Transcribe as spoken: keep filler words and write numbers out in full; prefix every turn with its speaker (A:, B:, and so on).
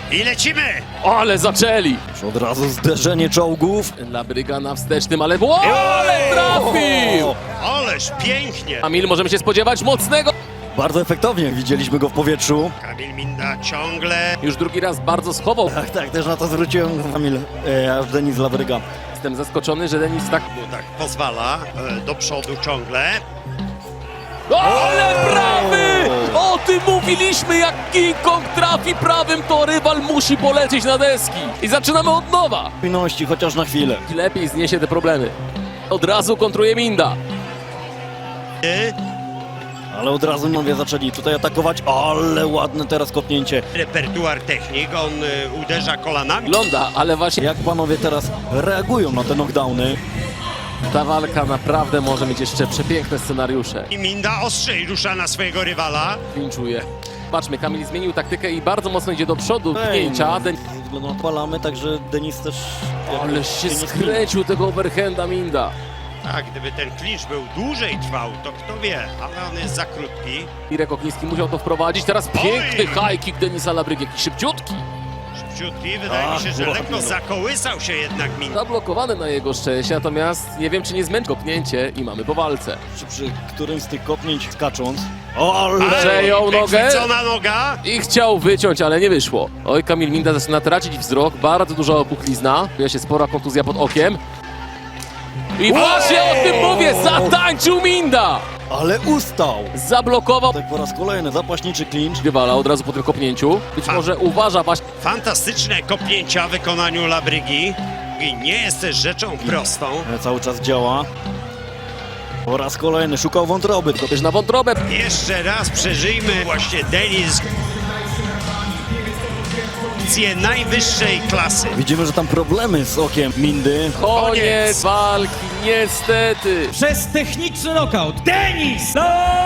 A: I lecimy!
B: Ale zaczęli!
C: Już od razu zderzenie czołgów.
B: Labryga na wstecznym, ale... O, ale trafił!
A: Ależ pięknie!
B: Kamil, możemy się spodziewać mocnego...
C: Bardzo efektownie widzieliśmy go w powietrzu.
A: Kamil Minda ciągle...
B: Już drugi raz bardzo schował.
C: Tak, tak, też na to zwróciłem Kamil, e, aż Denis Labryga.
B: Jestem zaskoczony, że Denis tak...
A: mu tak pozwala e, do przodu ciągle.
B: Ale prawy! O tym mówiliśmy, jak King Kong trafi prawym, to rywal musi polecieć na deski. I zaczynamy od nowa.
C: Spójności, chociaż na chwilę.
B: Lepiej zniesie te problemy. Od razu kontruje Minda.
A: Y,
C: Ale od razu nie zaczęli tutaj atakować. Ale ładne teraz kopnięcie.
A: repertuar technik, on y, uderza kolanami.
B: Wygląda, ale właśnie
C: Jak panowie teraz reagują na te knockdowny?
B: ta walka naprawdę może mieć jeszcze przepiękne scenariusze.
A: I Minda ostrzej rusza na swojego rywala.
B: Pinczuje. Patrzmy, Kamil zmienił taktykę i bardzo mocno idzie do przodu. Pchnięcia. Den...
C: Ze względu na palamy, także Denis też...
B: Ale się skręcił tego overhanda Minda.
A: Tak, gdyby ten klincz był dłużej trwał, to kto wie, ale on jest za krótki.
B: Irek Okniński musiał to wprowadzić. Teraz piękny high kick Denisa Labrygi, jakiś szybciutki.
A: Szybciutki, wydaje
C: Ach,
A: mi się, że
C: ładnie.
A: lekko zakołysał się jednak Minda.
B: Zablokowany na jego szczęście, natomiast nie wiem, czy nie zmęczy kopnięcie i mamy po walce.
C: Przy, przy którymś z tych kopnięć skacząc. O, ale...
B: Przejął nogę.
A: Wychwycona noga.
B: I chciał wyciąć, ale nie wyszło. Oj, Kamil Minda zaczyna tracić wzrok, bardzo duża opuchlizna. Pojawia się spora kontuzja pod okiem. I właśnie o tym mówię, zatańczył Minda!
C: Ale ustał!
B: Zablokował
C: Tak po raz kolejny zapaśniczy clinch.
B: rywala od razu po tym kopnięciu. Być
A: A.
B: może uważa właśnie...
A: Fantastyczne kopnięcia w wykonaniu Labrygi. I nie jest też rzeczą prostą.
C: E, Cały czas działa. Po raz kolejny szukał wątroby.
B: Też na wątrobę.
A: Jeszcze raz przeżyjmy właśnie Denis. Akcje najwyższej klasy.
C: Widzimy, że tam problemy z okiem Mindy.
B: Koniec walki, niestety.
D: Przez techniczny knockout Denis Labryga!